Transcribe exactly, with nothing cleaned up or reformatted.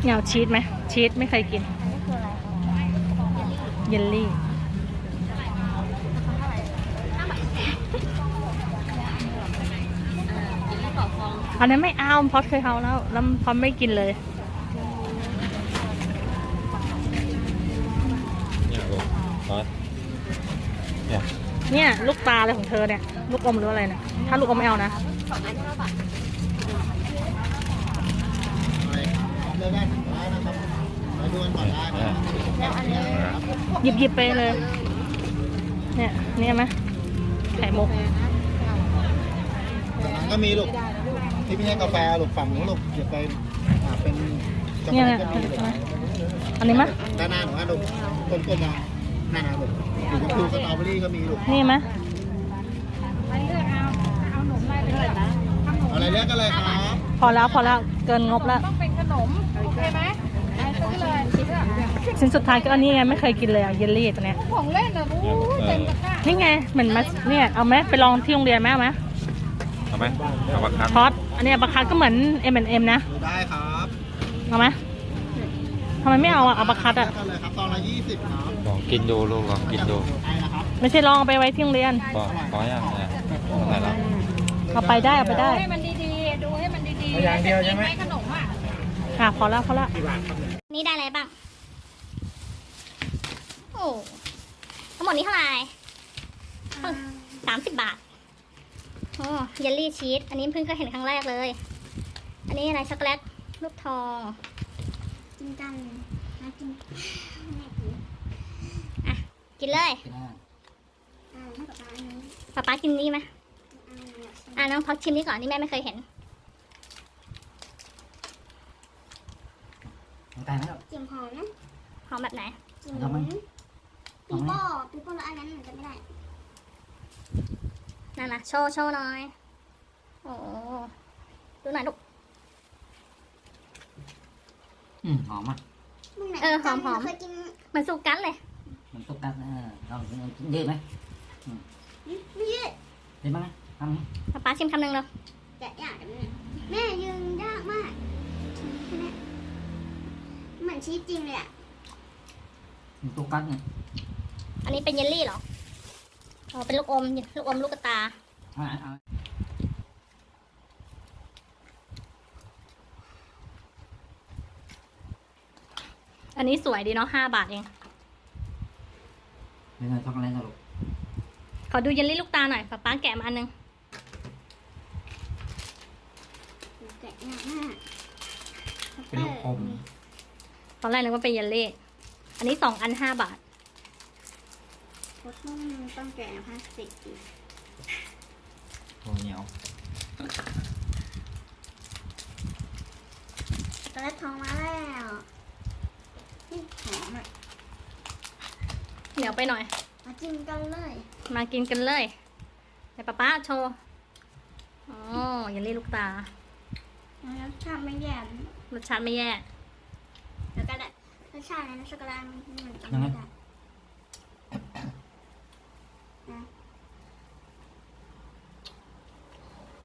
เหงาชีสไหมชีสไม่เคยกินอันนี้คืออะไรคะเยลลี่อันนั้นไม่เอาพอดเคยเอาแล้วแล้วพอดไม่กินเลยเนี่ยลูกพอดเนี่ยเนี่ยลูกตาอะไรของเธอเนี่ยลูกอมหรืออะไรเนี่ยถ้าลูกอมไม่เอานะเลือกได้ถึงร้อยนะครับมาดูกันก่อนได้นะแล้วอันนี้หยิบหยิบไปเลย เนี่ยเนี่ยไหมไข่มุกจากนั้นก็มีลูกที่ไม่ใช่กาแฟลูกฝั่งนู้นลูกเดี๋ยวไปอ่าเป็นช็อกโกเนี่ยแลเนี่ยตก็มีลูกอันนี้ไหมด้านหน้าหนูฮะลูกกลมๆมาหน้าหนาลูกอยู่กับคูสตรอเบอรี่ก็มีลูกนี่ไหมเอาอะไรเลือกกันเลยครับพอแล้วพอแล้วเกินงบแล้วต้องเป็นขนมโอเคไหมได้ซื้อเลยคิดว่าชิ้นสุดท้ายก็อันนี้ไงไม่เคยกินเลยอะเยลลี่ตัวเนี้ยของเล่นเหรอบู๊เต็มตะกร้านี่ไงเหมือนมาเนี่ยเอาไหมไปลองที่โรงเรียนไหมเอาไหมเอาไหมเอาปากคัดพอดอันเนี้ยบาคาร์ก็เหมือน เอ็ม แอนด์ เอ็ม นะดูได้ครับเอาไหมทำไมไม่เอาอะเอาบาคาร์เลืออะกกันเลยครับตอนละยี่สิบครับลองกินดูลูกลองกินดูไอนะครับไม่ใช่ลองเอาไปไว้ที่โรงเรียนพอพอยังเนี่ยตรงไหนแล้วเอาไปได้เอาไปได้ดูให้มันดีๆดูให้มันดีๆอย่างเดียวใช่ไหมขนมอ่ะค่ะพอแล้วพอแล้วนี่ได้อะไรบ้างโอ้ทั้งหมดนี้เท่าไหร่สามสิบบาทโอ้เยลลี่ชีสอันนี้เพิ่งเคยเห็นครั้งแรกเลย อันนี้อะไรช็อกโกแลตลูกทองกินกันนะกินอ่ะกินเลยป๊าป๊ากินนี่ไหมอ่ะน้องพักชิมนี่ก่อนนี่แม่ไม่เคยเห็นตายแล้วเสียงหอมนะหอมแบบไหนเสียงทำไมปีโป้ปีโป้แล้วอันนั้นมันจะไม่ได้นั่นนะโชว์โชว์หน่อยโอ้ดูหน่อยลูกอืมหอมอ่ะมึงไหนเออหอมหอมเคยกินเหมือนสูกันเลยมันตุกตักเออลองกินยืดไหมไม่ยืดได้ไหมทำไหมป๊าป๊าชิมคำหนึ่งเลยแกะยากกันเนี่ยแม่ยืนยากมากใช่ไหมเหมือนชีสจริงเลยอ่ะมันตุกตักเนี่ยอันนี้เป็นเยลลี่เหรออ๋อเป็นลูกอมลูกอมลูกกระตาเอาเอาอันนี้สวยดีเนาะห้าบาทเองเนื้อช็อกโกแลตลูกขอดูเยลลี่ลูกตาหน่อยป๊าป๊าแกะมาอันหนึงแกะยากมากเป็นลูกอมตอนแรกนึกว่าเป็นเยลลี่ อันนี้สองอันห้าบาทโคตรต้องต้องแกะพลาสติกอีกโอ้เหนียวตอนแรกทองมาแล้วนี่หอมอ่ะเหนียวไปหน่อยมาจิ้มกันเลยมากินกันเลยเดี๋ยวป๊าป๊าโชว์อ๋อเยลลี่ลูกตาแล้วชาติไม่แย่รสชาติไม่แย่แล้วก็ได้รสชาติในช็อกโกแลตมันจะไม่ได้